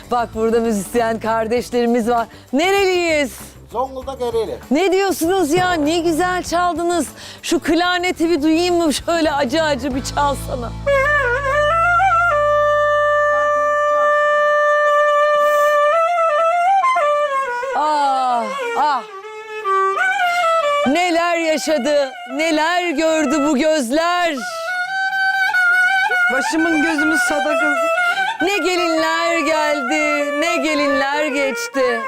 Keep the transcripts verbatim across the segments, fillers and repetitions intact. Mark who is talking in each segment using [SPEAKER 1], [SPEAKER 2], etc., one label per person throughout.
[SPEAKER 1] Bak burada müzisyen kardeşlerimiz var. Nereliyiz?
[SPEAKER 2] Zonguldak Ereğli.
[SPEAKER 1] Ne diyorsunuz ya? Ne güzel çaldınız. Şu klarneti bir duyayım mı? Şöyle acı acı bir çalsana. Ah, ah. Neler yaşadı, neler gördü bu gözler.
[SPEAKER 3] Başımın gözümün sadakası.
[SPEAKER 1] Ne gelinler geldi, ne gelinler geçti.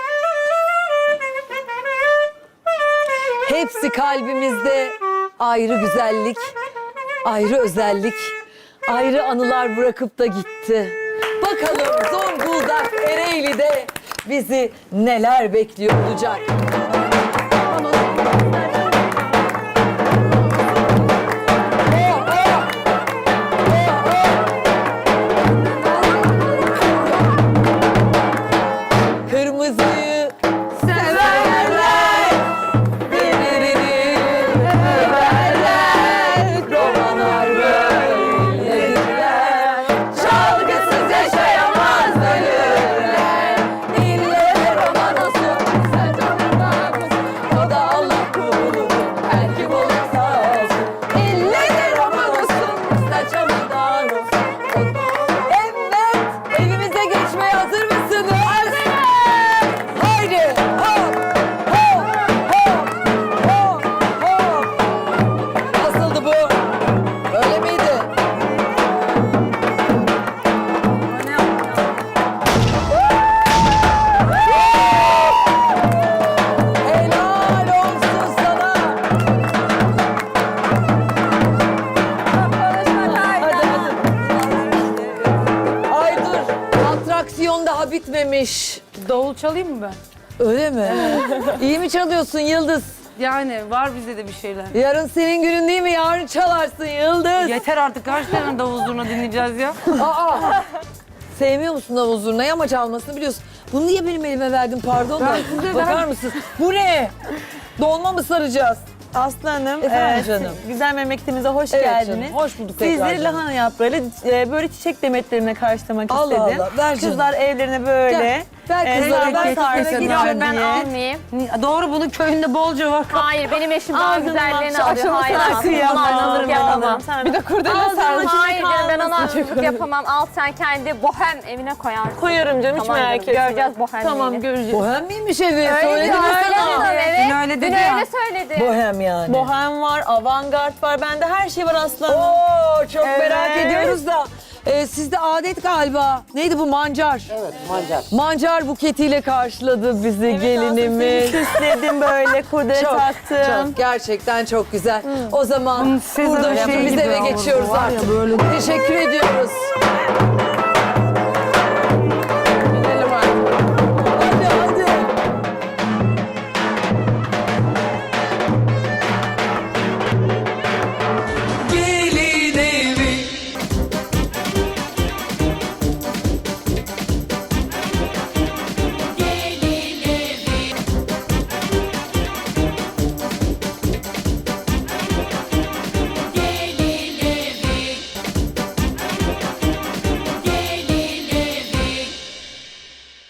[SPEAKER 1] Hepsi kalbimizde ayrı güzellik, ayrı özellik, ayrı anılar bırakıp da gitti. Bakalım Zonguldak Ereğli'de bizi neler bekliyor olacak. Kırmızıyı severler, birini överler, romanlar böyledirler, çalgısız yaşayamaz ölürler. İlle roman olsun, sen canından olsun, o da Allah kulu, her kim olursa olsun. İlle roman olsun, sen canından olsun. Evet, evimize geçmeye hazır mısınız? Haydi! Hop! Hop! Hop! Hop! Hop! Nasıldı bu? Öyle miydi? Helal olsun sana! Hadi, hadi. Ay dur, atraksiyon daha bitmemiş.
[SPEAKER 3] Davul çalayım mı ben?
[SPEAKER 1] Öyle mi? İyi mi çalıyorsun Yıldız?
[SPEAKER 3] Yani var bizde de bir şeyler.
[SPEAKER 1] Yarın senin günün değil mi? Yarın çalarsın Yıldız.
[SPEAKER 3] Yeter artık, kaç tane davul zurna dinleyeceğiz ya?
[SPEAKER 1] Aa! Sevmiyor musun davul zurnayı ama çalmasını biliyorsun. Bunu niye benim elime verdin pardon da? Bakar mısınız? Bu ne? Dolma mı saracağız?
[SPEAKER 4] Aslı Hanım,
[SPEAKER 1] Efendim
[SPEAKER 4] e,
[SPEAKER 1] canım.
[SPEAKER 4] güzel memleketimize hoş
[SPEAKER 1] Evet
[SPEAKER 4] geldiniz.
[SPEAKER 1] canım, hoş bulduk tekrar
[SPEAKER 4] Sizleri
[SPEAKER 1] canım.
[SPEAKER 4] lahana yaprağıyla e, böyle çiçek demetlerine karşılamak
[SPEAKER 1] Allah
[SPEAKER 4] istedim.
[SPEAKER 1] Allah, ver canım.
[SPEAKER 4] Kızlar evlerine böyle.
[SPEAKER 1] Gel, ver kızlara,
[SPEAKER 4] e,
[SPEAKER 1] ver
[SPEAKER 4] tarzda
[SPEAKER 1] kızlara,
[SPEAKER 4] gidiyor
[SPEAKER 1] gel.
[SPEAKER 5] Ben
[SPEAKER 4] diye.
[SPEAKER 5] almayayım.
[SPEAKER 3] Doğru, bunun köyünde bolca var.
[SPEAKER 5] Hayır, benim eşim daha
[SPEAKER 4] Ağzını
[SPEAKER 5] güzellerini
[SPEAKER 4] bak,
[SPEAKER 5] alıyor.
[SPEAKER 4] şu
[SPEAKER 5] Hayır,
[SPEAKER 4] aşamasına
[SPEAKER 5] almam.
[SPEAKER 4] kıyamam.
[SPEAKER 5] Bunu alırım yapamam.
[SPEAKER 4] Bir de kurdele sarmış.
[SPEAKER 5] Hayır diyorum, ben ona hazırlık yapamam. Al sen kendi bohem evine koyarsın.
[SPEAKER 4] Koyarım canım, hiç
[SPEAKER 5] Tamam
[SPEAKER 4] merak
[SPEAKER 5] canım,
[SPEAKER 4] etme.
[SPEAKER 5] göreceğiz bohemliğini.
[SPEAKER 4] Tamam, göreceğiz.
[SPEAKER 1] Bohem miymiş evi?
[SPEAKER 5] Öyle
[SPEAKER 1] Söyledin
[SPEAKER 5] diyor,
[SPEAKER 1] mi
[SPEAKER 5] öyle
[SPEAKER 1] sana?
[SPEAKER 5] diyor, evet.
[SPEAKER 3] Dün öyle dedi
[SPEAKER 5] Dün
[SPEAKER 3] ya.
[SPEAKER 5] öyle söyledi.
[SPEAKER 1] Bohem yani.
[SPEAKER 4] Bohem var, avantgard var. Bende her şey var Aslı Hanım.
[SPEAKER 1] Oo, çok
[SPEAKER 4] Evet.
[SPEAKER 1] merak ediyoruz da. Ee, sizde adet galiba. Neydi bu mancar?
[SPEAKER 2] Evet, mancar.
[SPEAKER 1] Mancar buketiyle karşıladı bizi gelinimiz.
[SPEAKER 4] Süsledim böyle, kurdele
[SPEAKER 1] Çok,
[SPEAKER 4] taktım.
[SPEAKER 1] çok gerçekten çok güzel. O zaman
[SPEAKER 3] Bunun Sezar
[SPEAKER 1] burada
[SPEAKER 3] şeyi
[SPEAKER 1] biz
[SPEAKER 3] gibi
[SPEAKER 1] eve
[SPEAKER 3] oldu,
[SPEAKER 1] geçiyoruz
[SPEAKER 3] var ya
[SPEAKER 1] artık.
[SPEAKER 3] böyle.
[SPEAKER 1] Teşekkür ediyoruz.